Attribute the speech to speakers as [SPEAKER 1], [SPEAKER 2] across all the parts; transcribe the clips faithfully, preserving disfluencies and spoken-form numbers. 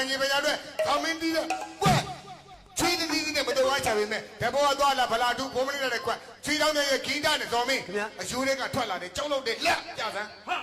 [SPEAKER 1] ဆိုင်ကြီးပဲရတဲ့ခေါင်းမင်းတီးတော့ကွက်ချွေးတီးတီးနဲ့မတော်ဝါချပေမဲ့တဘောသွားလာဗလာတူဘုံမလေးတဲ့ကွက်ချွေးတောင်းတဲ့ဂီတနဲ့ဇော်မင်းအယူတွေကထွက်လာတယ်ကြောက်လို့တဲ့လက်ပြစမ်းဟာ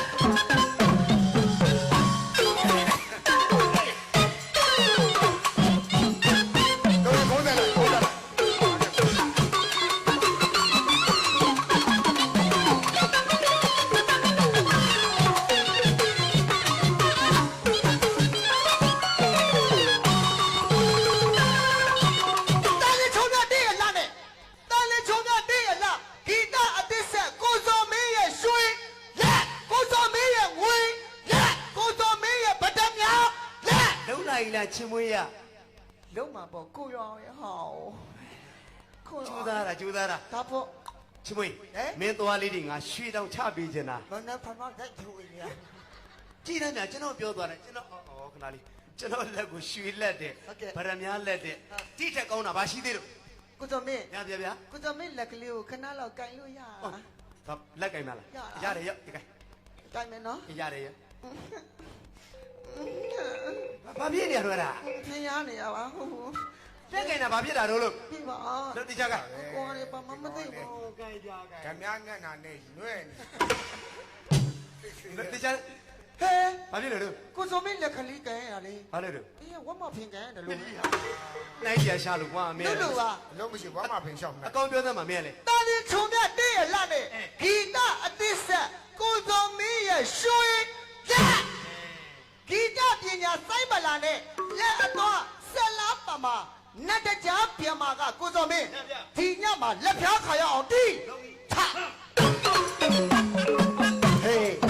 [SPEAKER 2] ချင်းမွေးရ
[SPEAKER 3] လုံးမှာပေါ့ကိုရောင်ရဟောကို
[SPEAKER 2] ကျူးသားတာကျူးသားတာ
[SPEAKER 3] ဒါပေါ့
[SPEAKER 2] ချင်းမွေးမင်းသွားလေးတွေငါရွှေတောင်ချပေးချင်တာ
[SPEAKER 3] မနက်ဖန်ဖန်တိုက်ထူနေရ
[SPEAKER 2] ကြည်တယ်များကျွန်တော်ပြောသွားတယ်ကျွန်တော်အော်ခဏလေးကျွန်တော်လက်ကိုရွှေလက်တဲ့ဗရမများလက်တဲ့တိထက်ကောင်းတာဘာရှိသေးလို့
[SPEAKER 3] ကိုစောမင်း
[SPEAKER 2] ရပြဗျာ
[SPEAKER 3] ကိုစောမင်းလက်ကလေးကိုခဏလောက်ကင်လို့ရ
[SPEAKER 2] ဟာလက်ကင်မလားရတယ်ရဒီကင်
[SPEAKER 3] ကင်မယ်နော်
[SPEAKER 2] ရတယ်ရဘာဖြစ်နေရတော့လား
[SPEAKER 3] ဖျားနေရပါဟုတ်
[SPEAKER 2] လက်ကင်တာဘာဖြစ်တာတော့လို့
[SPEAKER 3] ပြီပါ
[SPEAKER 2] တို့တိချက
[SPEAKER 3] ကိုရပါမမသိဘူး
[SPEAKER 2] ကင်ကြကင်
[SPEAKER 1] ဓမြငတ်နာနဲ့ညွဲ့
[SPEAKER 2] နေတိချဟဲဘာဖြစ်လဲတို့
[SPEAKER 3] ကိုစောမင်းလက်ကလေးကင်ရလေ
[SPEAKER 2] ဘာလဲတို့
[SPEAKER 3] အေးဝတ်မဖင်ကင်တယ်လို့
[SPEAKER 2] နိုင်ကြရှာလို့ကွာအမေ
[SPEAKER 3] လို့လို့ပါ
[SPEAKER 1] လုံးမရှိဘာမှဖင်လျှောက်နေ
[SPEAKER 2] အကောင်ပြောသမှာမင်းလေ
[SPEAKER 3] တာလင်းချုံမြတဲ့ရလာနဲ့ဂီတအသစ်ဆက်ကိုစောမင်းရဲ့ရွှေလက်ဂီတပညာစိုင်းမလာနဲ့လက်အတော့ဆက်လားပါမှာနတ်တကြားပြန်မာကကိုစောမင်းဒီညမှာလက်ဖြားခါရအောင်တီးထဟေး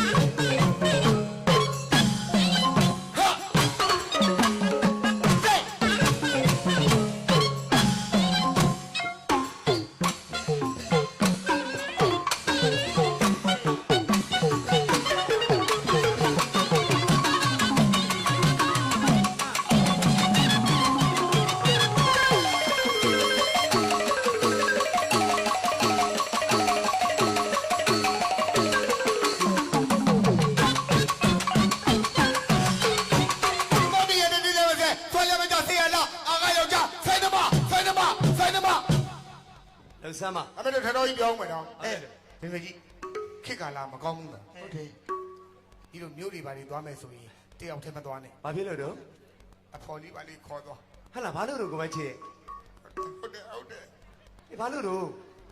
[SPEAKER 2] ဆမ်းမ
[SPEAKER 1] အမေတို့ထတော်ကြီးပြောင်းမယ်နော်အဲမင်းမကြီးခစ်ကလာမကောင်းဘူးလား
[SPEAKER 3] ဟုတ်တယ်
[SPEAKER 1] ဒီလိုမျိုးတွေပါတွေသွားမယ်ဆိုရင်တယောက်တည်းမသွားနဲ့
[SPEAKER 2] ဘာဖြစ်လို့တော့
[SPEAKER 1] အဖော်လေးပါလေးခေါ်သွား
[SPEAKER 2] ဟဲ့လားဘာလို့တော့ကိုမချစ်
[SPEAKER 1] ဟုတ်တယ်ဟုတ်တယ်
[SPEAKER 2] အေးဘာလို့တော့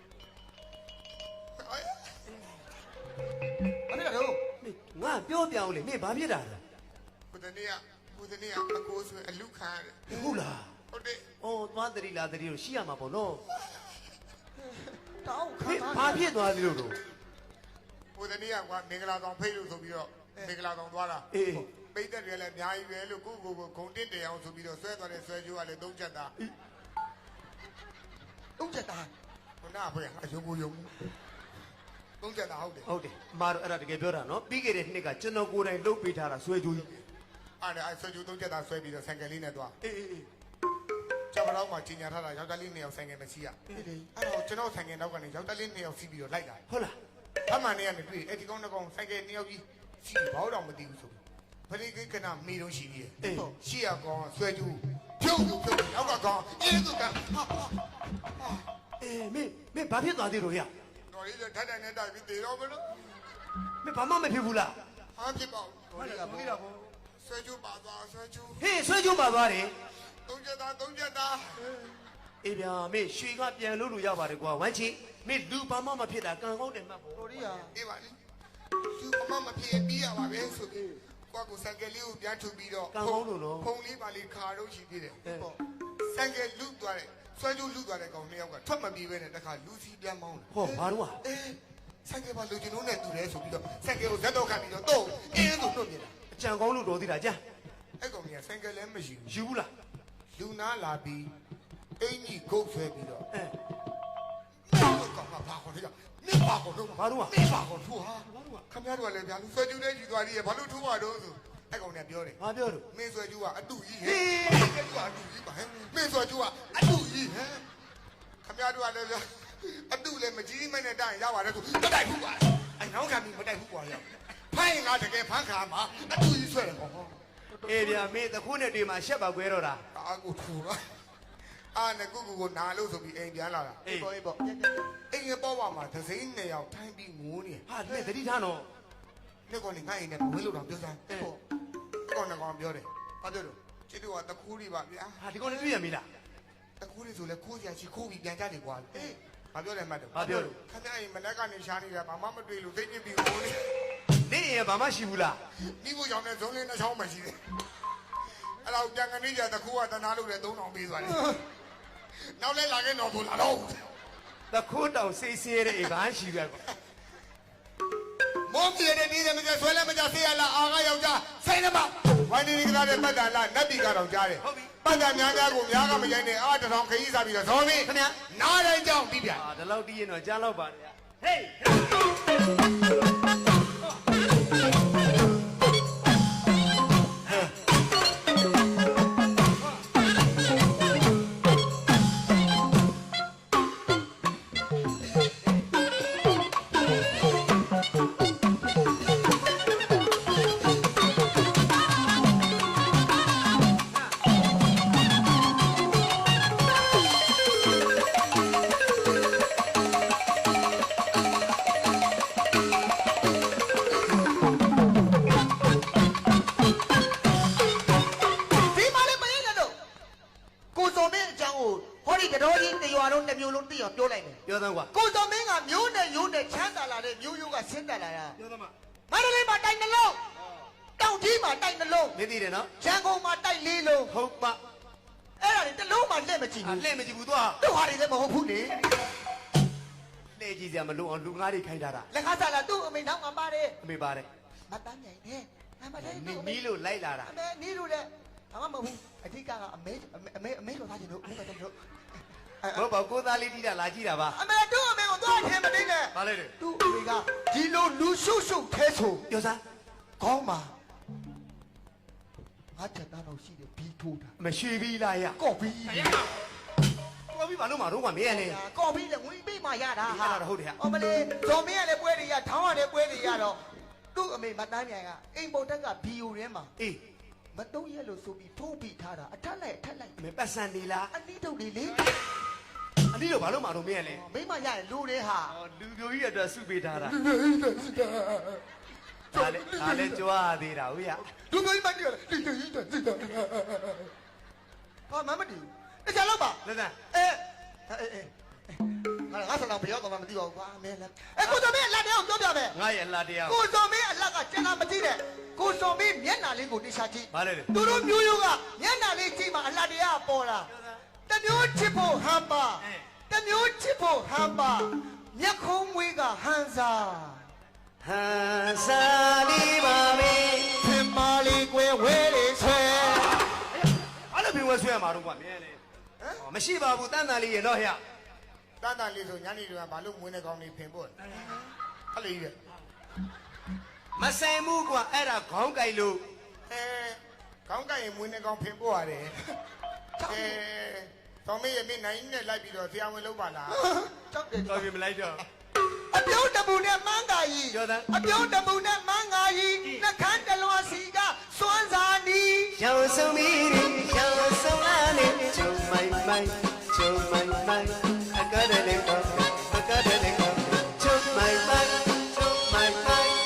[SPEAKER 3] အဲ့ဒါတော့
[SPEAKER 2] ငါပြောပြအောင်လေမင်းဘာဖြစ်တာလဲ
[SPEAKER 1] ကိုတနေ့ကကိုတနေ့ကအကိုဆိုအလူခံရတယ်
[SPEAKER 2] ဟုတ်လား
[SPEAKER 1] ဟုတ်တယ်
[SPEAKER 2] အော်သွားတရီလာတရီလို့ရှိရမှာပေါ့နော်
[SPEAKER 3] တောင်းခါ
[SPEAKER 2] ဘာဖြစ်သွားသလဲလို့
[SPEAKER 1] ကိုတနေ့ကကွာမင်္ဂလာဆောင်ဖိတ်လို့ဆိုပြီးတော့မင်္ဂလာဆောင်သွားတာ
[SPEAKER 2] အေး
[SPEAKER 1] ပိတ်သက်တွေလည်းအများကြီးပဲလို့ကိုကိုကိုဂုံတစ်တရားဆိုပြီးတော့ဆွဲသွားတဲ့ဆွဲကြိုးကလည်းသုံးချက်သား
[SPEAKER 3] သုံးချက်သား
[SPEAKER 1] ခုနကဖေအယုံကိုယုံသုံးချက်သားဟုတ်တယ်
[SPEAKER 2] ဟုတ်တယ်အမားတို့အဲ့ဒါတကယ်ပြောတာနော်ပြီးခဲ့တဲ့နှစ်ကကျွန်တော်ကိုယ်တိုင်လှုပ်ပေးထားတာဆွဲကြိုးကြီး
[SPEAKER 1] အဲ့ဒါအဲ့ဆွဲကြိုးသုံးချက်သားဆွဲပြီးတော့ဆိုင်ကယ်လေးနဲ့သွား
[SPEAKER 2] အေးအေး
[SPEAKER 1] ကျမတို့မှကြီးညာထားတာယောက်ျားလေးနှစ်ယောက်ဆိုင်ကယ်မရှိရအဲ့တော့ကျွန်တော်ဆိုင်ကယ်နောက်ကနေယောက်ျားလေးနှစ်ယောက်စီးပြီးတော့လိုက်လာ
[SPEAKER 2] ဟုတ်လား
[SPEAKER 1] အမှန်နဲ့ကနေတွေ့အဲ့ဒီကောင်းတစ်ကောင်ဆိုင်ကယ်နှစ်ယောက်ကြီးစီးဘောတော့မသိဘူးဆိုဘယ်လိုကနမေတော့ရှိသေးရဲ့ရှိရကောင်ဆွဲကြူးဖြုတ်ဖြုတ်နောက်ကကောင်အေးသူက
[SPEAKER 2] အေးမင်းမင်းဘာဖြစ်သွားသေးလို့ရ
[SPEAKER 1] တော်လေးထက်တန်နဲ့တိုက်ပြီးတေတော့မလို့
[SPEAKER 2] မင်းဘာမှမဖြစ်ဘူးလား
[SPEAKER 1] ဟာဖြစ်ပါဘူး
[SPEAKER 2] ဟုတ်တယ်ကဘူးလား
[SPEAKER 1] ဆွဲကြူးပါသွားဆွဲကြူး
[SPEAKER 2] ဟေးဆွဲကြူးပါသွားတယ်
[SPEAKER 1] သုံးချက်သားသုံးချက်သား
[SPEAKER 2] အေးဗျာမင်းရွှေကပြန်လို့လို့ရပါတယ်ကွာဝမ်းချီမင်းလူဘာမှမဖြစ်တာကံကောင်းတယ်မှတ်ပေါ့
[SPEAKER 3] တော်ရီးဟာ
[SPEAKER 1] အေးပါလေသူအမမဖြစ်ပြီးရပါပဲဆိုပြီးကွာကိုဆိုင်ကယ်လေးကိုပြန်ထုတ်ပြီးတော့
[SPEAKER 2] ကံကောင်းလို့နော်
[SPEAKER 1] ဖုံလေးပါလေးခါတော့ရှိသေးတယ်ပေါ့ဆိုင်ကယ်လူသွားတယ်ဆွဲကြိုးလူသွားတဲ့ကောင်နှစ်ယောက်ကထွက်မပြေးပဲနဲ့တခါလူစီပြန်မောင်းတယ်
[SPEAKER 2] ဟောဘာလို့อ่ะ
[SPEAKER 1] အေးဆိုင်ကယ်ပါလူကျင်လုံးနဲ့တူတယ်ဆိုပြီးတော့ဆိုင်ကယ်ကိုဇက်တော့ခံပြီးတော့တော့အင်းဆိုတော့မြင်တာ
[SPEAKER 2] အကြံကောင်းလို့တော်သေးတာကြာ
[SPEAKER 1] အဲ့ကောင်ကြီးဆိုင်ကယ်လည်းမရှိဘူး
[SPEAKER 2] ယူဘူးလား
[SPEAKER 1] လူနာလာပြီးအင်းကြီးခုတ်ဆွဲပြီးတော့
[SPEAKER 2] အဲ
[SPEAKER 1] ကောင်ကဘာခေါ်လဲမင်းဘာခေါ်တော့
[SPEAKER 2] ဘာလို့อ่ะ
[SPEAKER 1] မင်းဘာခေါ်ထူဟာခင်ဗျားတို့ကလည်းဗျာလူဆွဲကျူးတဲ့ယူသွားသေးရဲ့ဘာလို့ထူပါတော့ဆိုအဲ့ကောင်နဲ့ပြောတယ်
[SPEAKER 2] ဘာပြောလို့
[SPEAKER 1] မင်းဆွဲကျူးကအတူကြီးဟဲ့ဆွဲကျူးကအတူကြီးပါဟဲ့မင်းဆွဲကျူးကအတူကြီးဟဲ့ခင်ဗျားတို့ကလည်းဗျာအတူလည်းမကြီးမနဲ့တိုင်ရပါတယ်ဆိုမတိုက်ဘူးကွာအဲ့နောက်ခံပြီးမတိုက်ဘူးကွာရောက်ဖိုင်ငါတကယ်ဖမ်းခါမှာအတူကြီးဆွဲတယ်ဟော
[SPEAKER 2] ဟအေးဗျာမင်းတခုနဲ့တွေ့မှာရှက်ပါကွဲတော့တာ
[SPEAKER 1] အာကိုထူတော့အာနဲ့ကိုကိုကိုနာလို့ဆိုပြီးအိမ်ပြန်လာတာ
[SPEAKER 2] အေး
[SPEAKER 3] ပေါ်ပေါ်
[SPEAKER 1] အိမ်ရဲ့ပေါ်ပါမှာသစိမ်းနှစ်ယောက်ထိုင်းပြီးငိုးနေ
[SPEAKER 2] ဟာလက်သတိထားနော်
[SPEAKER 1] နှစ်ကောင်နေငါ့အိမ်နဲ့ဝေးလို့တော့ပြောစမ်းပေါ့ကောင်နဲ့ကောင်ပြောတယ်ဘာပြောလို့ချစ်တို့ကတခူးလေးပါဗျာ
[SPEAKER 2] ဟာဒီကောင်လည်းတွေ့ရမီလား
[SPEAKER 1] တခူးလေးဆိုလဲခိုးစရာရှိခိုးပြီးပြန်ကြတယ်ကွာအေးဘာပြောလဲမှတ်တယ်
[SPEAKER 2] ဘာပြောလို့
[SPEAKER 1] ခင်ဗျာအိမ်မနက်ကနေရှားနေတာဘာမှမတွေ့လို့သိနေပြီငိုးနေ
[SPEAKER 2] နေရင်ဘာမှရှိဘူးလား
[SPEAKER 1] မိဖို့ကြောင့်လည်းဇုံးလေးနှချောင်းမှရှိတယ်အဲ့တော့ပြန်ကနေကြတခူးကတနာလို့လည်းသုံးတောင်ပေးသွားတယ်နောက်လဲလာခဲ့တော့ဆိုလာတော့
[SPEAKER 2] တခုတောင်စိတ်ဆင်းရဲတဲ့အိမ်ဘာရှိပြကွာ
[SPEAKER 1] မောင်ပြေတဲ့နေ့တည်းမကျဆွဲလဲမကျဆေးရလားအာကယောက်ျားဆိုင်နမဝိုင်းနေကြတဲ့ပတ်တန်လားနတ်ပြည်ကတော့ကြားတယ်ပတ်တန်များများကိုများကမရိုင်းနဲ့အာတထောင်ခရီးစားပြီးတော့ဇော်မင်းခင်ဗျာနားတိုင်းကြောင်းပြီးပြန်
[SPEAKER 2] ဟာဒီလောက်တီးရင်တော့ကြားလောက်ပါလေဟေး
[SPEAKER 3] ပြောလိုက်မယ်
[SPEAKER 2] ပြောသမ်းကွာ
[SPEAKER 3] ကိုစောမင်းကမျိုးနဲ့ရိုးနဲ့ချမ်းသာလာတဲ့မျိုးရိုးကဆင်းသက်လာတာ
[SPEAKER 2] ပြောသမ်းမ
[SPEAKER 3] မန္တလေးမှာတိုက်နှလုံးတောင်ကြီးမှာတိုက်နှလုံး
[SPEAKER 2] မင်းသိတယ်နော်
[SPEAKER 3] ရန်ကုန်မှာတိုက်လေးလုံး
[SPEAKER 2] ဟုတ်ပါ
[SPEAKER 3] အဲ့ဒါတွေတစ်လုံးမှလက်မကြည့်
[SPEAKER 2] အ
[SPEAKER 3] ဘူး
[SPEAKER 2] လှည့်မကြည့်ဘူးသွား
[SPEAKER 3] သူ့ဟာတွေလည်းမဟုတ်ဘူးလေ
[SPEAKER 2] လှည့်ကြည့်စရာမလိုအောင်လူငါးတွေခိုင်းထားတာ
[SPEAKER 3] လက်ခါစားလာသူ့အမေနောက်မှာပါတယ်
[SPEAKER 2] အမေပါတယ်
[SPEAKER 3] မတန်းနိုင်နဲ့အမလေး
[SPEAKER 2] မင်းမီးလို့လိုက်လာတာ
[SPEAKER 3] အမေနီးလို့လည်းဘာမှမဟုတ်ဘူးအဓိကကအမေအမေအမေလိုသားချင်လို့အမေကတော့လို့
[SPEAKER 2] ဟုတ်ပါကိုသားလေးတီးတာလာကြည့်တာပါ
[SPEAKER 3] အမေတို့အမေကိုသွားထင်မနေနဲ့
[SPEAKER 2] ဘာလဲလဲ
[SPEAKER 3] သူ့အမေကဒီလိုလူရှုပ်ရှုပ်ခဲဆို
[SPEAKER 2] ပြောစမ်း
[SPEAKER 3] ကောင်းပါငါတက်တာတော့ရှိတယ်ဘီထိုးတာ
[SPEAKER 2] မရှိပြီလားရ
[SPEAKER 3] ကော့ဘီ
[SPEAKER 2] ကိုပြီးဘာလို့မတော့ကွာမင်းရလေ
[SPEAKER 3] ကော့ဘီလည်းငွေပေးမှရတာ
[SPEAKER 2] ရတာတော့ဟုတ်တယ်ဟာ
[SPEAKER 3] အမလေးဇော်မင်းကလည်းပွဲတွေရထောင်းရလည်းပွဲတွေရတော့သူ့အမေမတန်းမြိုင်ကအိမ်ပေါ်တက်ကဘီယိုထဲမှာ
[SPEAKER 2] အေး
[SPEAKER 3] မတုံးရဲလို့ဆိုပြီးထိုးပြီးထားတာအထက်လိုက်အထက်လိုက်
[SPEAKER 2] မင်းပတ်စံနေလား
[SPEAKER 3] အနည်းထုတ်လေးလေ
[SPEAKER 2] အနည်းတော့ဘာလို့မတော့မင်းရလေ
[SPEAKER 3] မိမရရင်လူတွေဟာ
[SPEAKER 2] ဟောလူပြိုကြီးအတွက်စုပေးထားတာဒါလည်းဒါလည်းကြွားသေးတာဟုတ်ရ
[SPEAKER 3] လူမျိုးကြီးမတည့်ရတိတိတိတိတိဟာမမတီတခြားတော့ပါ
[SPEAKER 2] လက်စံ
[SPEAKER 3] အဲအဲအဲငါငါဆလာဘယ်ရောက်တော့မှမသိပါဘူးကွာမင်းလည်းအဲကိုစောမင်းအလက်တည်းကိုပြောပြမယ်
[SPEAKER 2] ငါရဲ့အလားတရား
[SPEAKER 3] ကိုစောမင်းအလက်ကကျန်တာမကြည့်နဲ့ကိုစောမင်းမျက်နှာလေးကိုတိချာကြည့်
[SPEAKER 2] ဘာလဲလဲ
[SPEAKER 3] သူတို့မျိုးရိုးကမျက်နှာလေးကြည့်မှအလတ်တရားပေါ်လာတမျိုးချစ်ဖို့ဟမ်ပါတမျိုးချစ်ဖို့ဟမ်ပါမျက်ခုံးမွေးကဟန်စာ
[SPEAKER 2] ဟန်စာလီပါမေ
[SPEAKER 3] သင်မလေးကွယ်ဝဲလေးဆွဲ
[SPEAKER 2] ဘာလို့ဘင်းဝဲဆွဲရမှာတော့ကွာမင်းလေဟောမရှိပါဘူးတန်းတန်လေးရေတော့ဟရ
[SPEAKER 1] တန်းတန်လေးဆိုညနေတွေကဘာလို့မွေးနေကောင်းနေဖင်ဖို့အဲ့လေကြီး
[SPEAKER 2] မဆိုင်ဘူးကွာအဲ့ဒါခေါင်းကြိုက်လို့
[SPEAKER 1] အဲခေါင်းကရင်မွေးနေကောင်းဖင်ဖို့ရတယ်အဲတော်မေးရမင်းနိုင်နဲ့လိုက်ပြီးတော့ဆရာဝန်လုပ်ပါလား
[SPEAKER 3] ကြောက်တယ်
[SPEAKER 2] တော်ပြီမလိုက်တော့
[SPEAKER 3] အပြုံးတပူနဲ့မန်းကာကြီး
[SPEAKER 2] ကျော်သန်း
[SPEAKER 3] အပြုံးတပူနဲ့မန်းကာကြီးနှခမ်းတလွာစီကစွမ်းစာနီး
[SPEAKER 2] ရောင်စုံမီရောင်စုံလာနေချုံမိုင်မိုင်ချုံမိုင်မိုင်အကတဲ့လေကောအကတဲ့လေကောချုံမိုင်မိုင်ချုံမိုင်မိုင်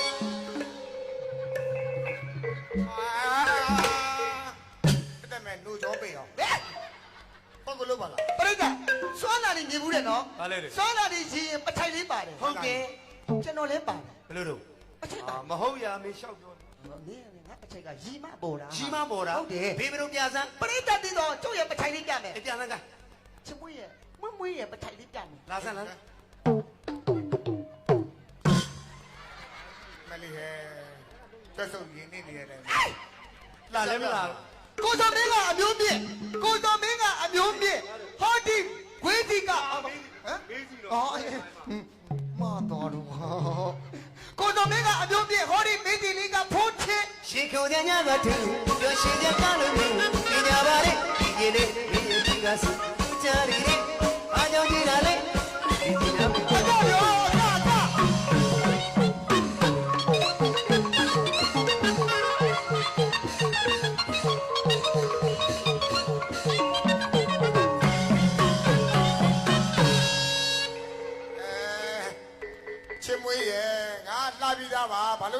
[SPEAKER 1] အဲ့ဒါမဲ့နိုးကြောပေးအောင်
[SPEAKER 3] ဟဲ့
[SPEAKER 1] ပေါ့ကလို့ပါလား
[SPEAKER 3] ပရိသတ်စွမ်းနာနေမြင်ဘူးတဲ့နော်
[SPEAKER 2] ဘာလဲလေ
[SPEAKER 3] စွမ်းနာနေရှင်ပထိုင်လေးပါတယ်
[SPEAKER 2] ဟုတ်ကဲ့
[SPEAKER 3] ကျွန်တော်လည်းပါတယ်
[SPEAKER 2] ဘယ်လိုတော့
[SPEAKER 3] အချက်ပါ
[SPEAKER 2] အာမဟုတ်ရမေလျှောက်ပြော
[SPEAKER 3] မင်းငါအချက်ကရီမပေါ်တာ
[SPEAKER 2] ကြီးမပေါ်တာ
[SPEAKER 3] ဟုတ်တယ်
[SPEAKER 2] ဘေးဘယ်လိုပြစမ်း
[SPEAKER 3] ပရိသတ်တင်တော့ကျုပ်ရဲ့ပထိုင်လေးပြမယ်
[SPEAKER 2] အပြစမ်းက
[SPEAKER 3] ချစ်မွေးရဲ့မွေးမွေးရဲ့ပထိုင်လေးပြမယ်
[SPEAKER 2] လာစမ်းလား
[SPEAKER 1] မလေးဟဲကျွတ်စုပ်ရင်းနေနေရတယ်
[SPEAKER 2] လာလဲမလား
[SPEAKER 3] ကိုစောမင်းကအမျိုးမြင့်ကိုစောမင်းကအမျိုးမြင့်ဟောဒီခွေးဒီကဟမ်
[SPEAKER 2] မေးစီတော့
[SPEAKER 3] အော်မတော်တော့ကိုစောမင်းကအမျိုးမြင့်ဟောဒီမေဒီလေးကဖိုးချစ်
[SPEAKER 2] ရှင်ခုံတဲ့ညကတူပြောရှင်တဲ့ကလို့မြင်ပညာပါလေဒီကြီးလေးမင်းရဲ့ကြီးကစကြရီလေးအားကြောင့်ကြည့်တာလေဒီပညာ
[SPEAKER 3] ကိုစောရောကာကာ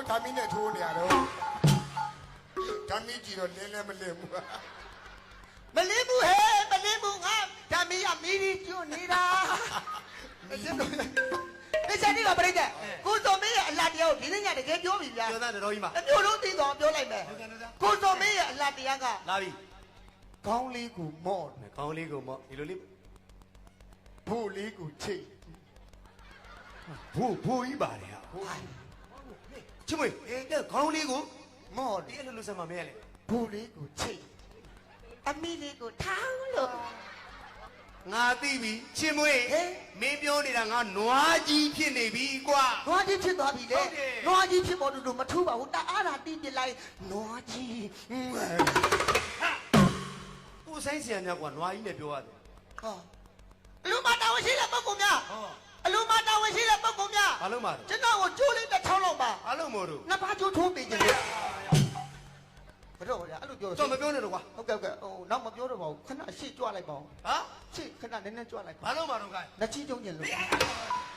[SPEAKER 1] ဓာမီနဲ့ထိုးနေရတော့ဓာမီကြည့်တော့လင်းလည်းမလင်းဘူး
[SPEAKER 3] မလင်းဘူးဟဲ့မလင်းဘူးငါဓာမီရမီးဒီကျွနေတာအစ်တို့ဒီချက်ဒီကပြိတ္တကိုစောမင်းရဲ့အလားတရားကိုဒီနေ့ညတကယ်ပြောပြီဗျာ
[SPEAKER 2] ပြောသားတော်ကြီးမှာ
[SPEAKER 3] အမျိုးလုံးသိတော့ပြောလိုက်မယ်ကိုစောမင်းရဲ့အလားတရားက
[SPEAKER 2] လာပြီ
[SPEAKER 3] ခေါင်းလေးကိုမော့
[SPEAKER 2] ခေါင်းလေးကိုမော့ဒီလိုလေး
[SPEAKER 1] ဖို့လေးကိုချိတ်
[SPEAKER 2] ဘူးဘူးကြီးပါတယ်ဟာချစ်မွေအေးတဲ့ခေါင်းလေးကို
[SPEAKER 3] မော့
[SPEAKER 2] ဒီလိုလိုဆက်မမဲလေ
[SPEAKER 3] ဘူးလေးကိုချိတ်အမီလေးကိုထောင်းလို့
[SPEAKER 2] ငါသိပြီချစ်မွေမင်းပြောနေတာငါနွားကြီးဖြစ်နေပြီကွာ
[SPEAKER 3] နွားကြီးဖြစ်သွားပြီလေနွားကြီးဖြစ်ပေါ်တူတူမထူးပါဘူးတအားတာတီးပြလိုက်နွားကြီး
[SPEAKER 2] ကိုဆိုင်ဆရာများကွာနွားကြီးနဲ့ပြောရတယ်
[SPEAKER 3] ဟောအလူမတာဝန်ရှိတဲ့ပုဂ္ဂိုလ်များ
[SPEAKER 2] ဟော
[SPEAKER 3] အလူမတာဝန်ရှိတဲ့ပုဂ္ဂိုလ်များ
[SPEAKER 2] ဘာလို့မှာ
[SPEAKER 3] ကျွန်တော်ကိုကျိုးလေးတစ်ချောင်းလောက်ပါ
[SPEAKER 2] ဘာလို့မို့လို့
[SPEAKER 3] နှစ်ပါးကျိုးထိုးပေးခြင်းလေဘယ်တော့လဲအဲ့လိုပြော
[SPEAKER 2] တော့မပြောနဲ့တော့ကွာ
[SPEAKER 3] ဟုတ်ကဲ့ဟုတ်ကဲ့ဟိုနောက်မပြောတော့ပါဘူးခဏရှေ့ကြွလိုက်ပါဦး
[SPEAKER 2] ဟာ
[SPEAKER 3] ရှေ့ခဏနည်းနည်းကြွလိုက်ပါ
[SPEAKER 2] ဘာလို့မှာတော့ကဲ
[SPEAKER 3] လက်ချီကျုံကျင်လို့